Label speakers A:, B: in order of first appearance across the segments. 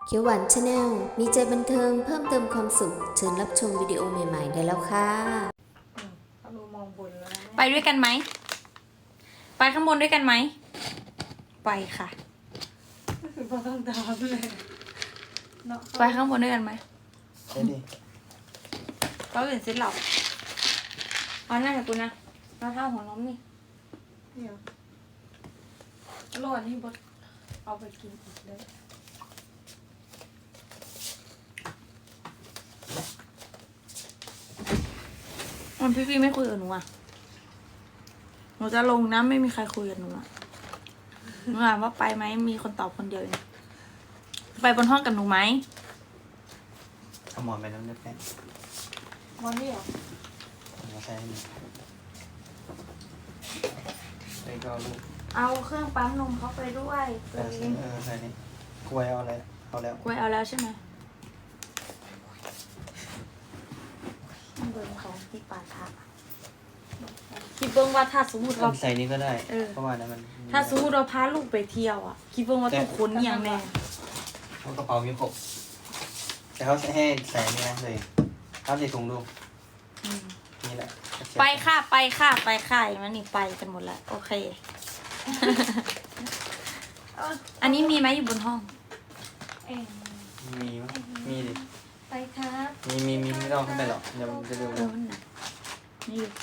A: เขียวหวานชาแนลมีใจบันเทิงเพิ่มเติมความสุขเชิญรับชมวิดีโอใหม่ๆได้แล้วค่ะ
B: เขาดูมองบนแล้วนะ
C: ไปด้วยกันไหม ไปข้างบนด้วยกันไหม ไปค่ะ
B: คือพอต้องตามเลยเนาะ
C: ไปข้างบนด้วยกันไหม
D: ไปดิ
C: เราเห็นเซ็ตหลับเอาหน้ากับกูนะมาเท่าหัวล้มนี่
B: เดี๋ยวรอดนี่บดเอาไปกินอีกเลย
C: มันพี่ไม่คุยกับหนูอ่ะ หนูจะลงนะไม่มีใครคุยกับหนูอ่ะหนูถามว่าไปไหมมีคนตอบคนเดียวเองไปบนห้องกับหนูไหม
D: เอาหมอนไปน้ำเลือดแป้ง
B: วันนี้เหรอ
D: เอามาใช้ให้ดีไปก็เอาลูก
C: เอาเครื่องปั๊มนมเขาไปด้วย
D: ใส่นี่กล้วยเอาอะไรเอาแล้ว
C: กล้วยเอาแล้วใช่ไหมมันเบิ่งของที่ปาทะคิดเบิ่งว่าถ้าสมมติเรา
D: ใส่นี่ก็ได้
C: เออ
D: เพราะว่านั้นมัน
C: ถ้าสมมติเราพาลูกไปเที่ยวอ่ะ คิดเบิ่งว่าทุกคนอย่างแน่
D: เพราะกระเป๋ามีครบแต่เขาให้ใส่นี่นะเลยครับใส่ถุงดู
C: อืม
D: นี่แหละ
C: ไปค่ะไปค่ะไปค่ะอย่างนั้นนี่ไปกันหมดแล้วโอเค อันนี้มีไหมอยู่บนห้อง
B: เอ็ง
D: มีมั้ยมีดิ
B: ไปครับ
D: มีไม่ต้องขึ้นไปหรอกเดี๋ยวมันจะดู
C: เออมันหนักนี่อยู่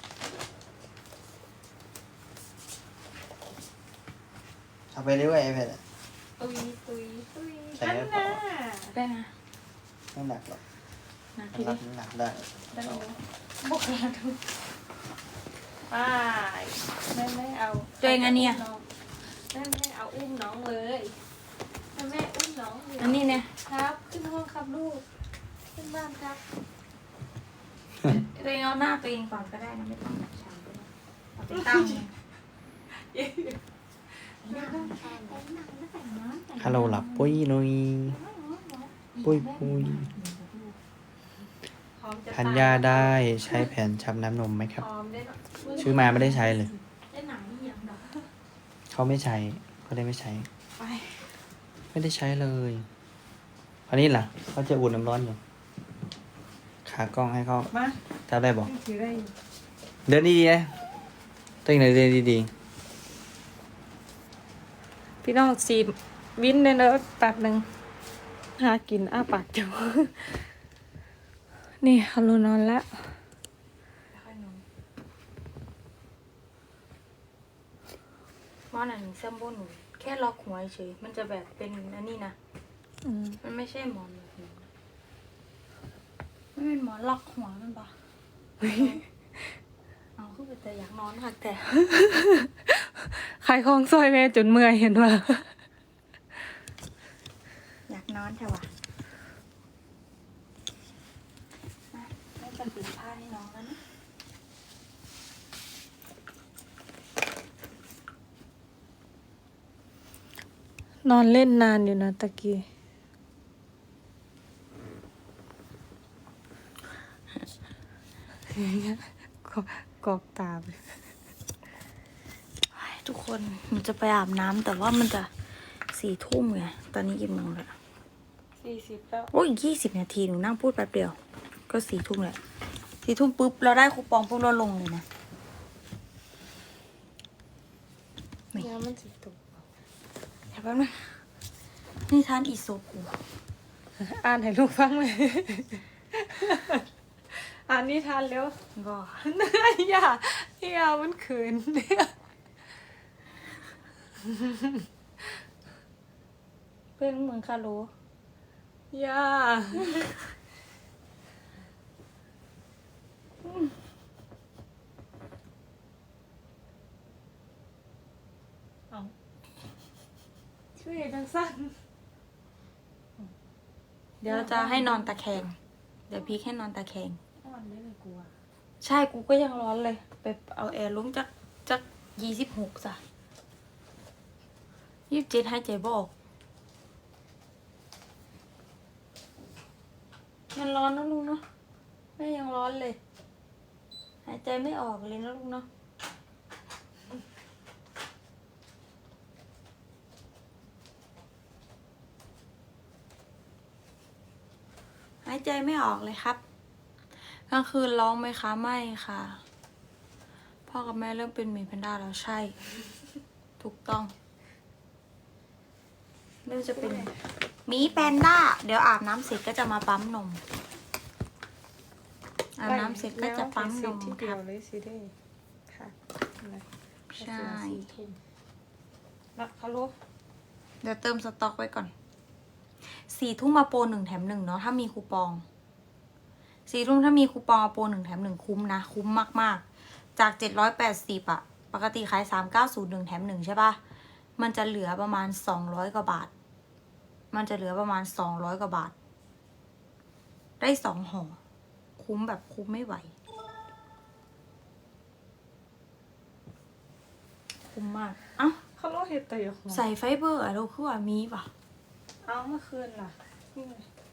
D: เอาไปเรื่อยไอแพด
B: ตุยตุยตุย
D: ใส่
B: นั่น
D: ได้
B: น่ะ
D: ปะ
C: แป้งนะ
D: ไม่หนักหรอก
C: หนัก
D: มั
C: ที
D: นรั
C: เดี
D: บ
C: ยว
D: น้ำหนักได้
B: ได้ไหมบุกมาดูไปแม่ไม่เอา
C: ตัวเองอันเนี้ย
B: แม่ไม่เอาอุ้มน้องเลยแม่อุ้มน้องเลย
C: อันนี้เนี่ย
B: ครับขึ้นห้องครับลูกขึ้นบ้านครับ
C: ตัวเองเอาหน้าตัวเองก่อนก็ได้นะไม่ต้องแบบฉันก็ได้เอาไปตั้ง
D: ฮัลโหลหลับปุ้ยนุยปุ้ยปุ้ย
B: พร้อมจะ
D: ทานยาได้ใช้แผ่นชับน้ำนมไหมครับ
B: พร้อมได้เนอะ
D: ซื้อมาไม่ได้ใช้เลย
B: ได้หนังนี่ยังดอก
D: เขาไม่ใช้เขาได้ไม่ใช้
B: ไป
D: ไม่ได้ใช้เลยอันนี้ล่ะเขาจะอุ่นน้ำร้อนอยู่ขากล้องให้เขา
B: มา
D: จับได้บอก
B: ถือได้อยู่
D: เดินดีๆนะตัวเองเดินดี
B: พี่น้องสีวินเลยเนอะแป๊บหนึ่งหากินอ้าปากจังนี่ฮารุนอนแล้ว
C: หมอนอันนี้แซมโบหนูแค่ล็อกหัวเฉยมันจะแบบเป็นอันนี้นะ มันไม่ใช่หมอนแบบนี้ไม่เป็นหมอนล็อกหัวมันปะเอาคือเป็นแต่อยากนอนค่ะแต่
B: ขายของซอยแม่จนเมื่อยเห็นว่า
C: อยากนอนใช่ปะมาให้จะปิดผ้าให้น้องแล้วนะ
B: นอนเล่นนานอยู่นะตะกี้กอกตาไป
C: ทุกคนหนูจะไปอาบน้ำแต่ว่ามันจะ4 ทุ่มไงตอนนี้กี่โมงแล้ว
B: 40แล้ว
C: โอ้ย20 นาทีหนูนั่งพูดแป๊บเดียว ก็4 ทุ่มแหละ4 ทุ่มปุ๊บเราได้คูปองปุ๊บเราลงเลยนะ ไม่
B: น้ำมันสิตก
C: เดี๋ยวแป๊บนึงนี่ทานอีโซกู
B: อ่านให้ลูกฟังเลย อ่านนิทานเร็ว
C: ก็
B: อย่ามันเขินเนี่ย
C: เป็นเหมือนคาโล
B: อย่าเอาช่วยดังสั้น
C: เดี๋ยวจะให้นอนตะแคง เดี๋ยวพี่แค่นอนตะแคง
B: อ่อนได้เลยกลัว
C: ใช่กูก็ยังร้อนเลย ไปเอาแอร์ลงจาก26จ้ะ27ให้ใจบออกมันร้อนนะลุงเนาะแม่ยังร้อนเลย หายใจไม่ออกเลยนะลุงเนาะายใจไม่ออกเลยครับกลางคืนร้องไหมคะไม่ค่ะพ่อกับแม่เริ่มเป็นหมีแพนด้าแล้วใช่ ถูกต้องเริ่มจะเป็นหมีแพนด้าเดี๋ยวอาบน้ำเสร็จก็จะมาปั๊มนมอาบน้ำเสร็จก็จะปั๊มนม
B: ที่
C: ค
B: เดีย
C: รั
B: ว
C: บ
B: เลยสิได้ค่ะนะ
C: ใช่
B: นะฮัลโหล
C: เดี๋ยวเติมสต็อกไว้ก่อน4 ทุ่มมาโปร1 แถม 1เนาะถ้ามีคูปอง4 ทุ่มถ้ามีคูปองโปร1 แถม 1คุ้มนะคุ้มมากๆจาก780อะปกติขาย390 1 แถม 1ใช่ปะมันจะเหลือประมาณ200 กว่าบาทมันจะเหลือประมาณ200 กว่าบาทได้2 ห่อคุ้มแบบคุ้มไม่ไหวคุ้มมากเอ้า
B: ฮัลโหลเฮ็ดแต่อยู่ของ
C: ใส่ไฟเบอร์อะเราคือว่ามีปะ
B: เอาเมื่อคืนล่ะนี่ไง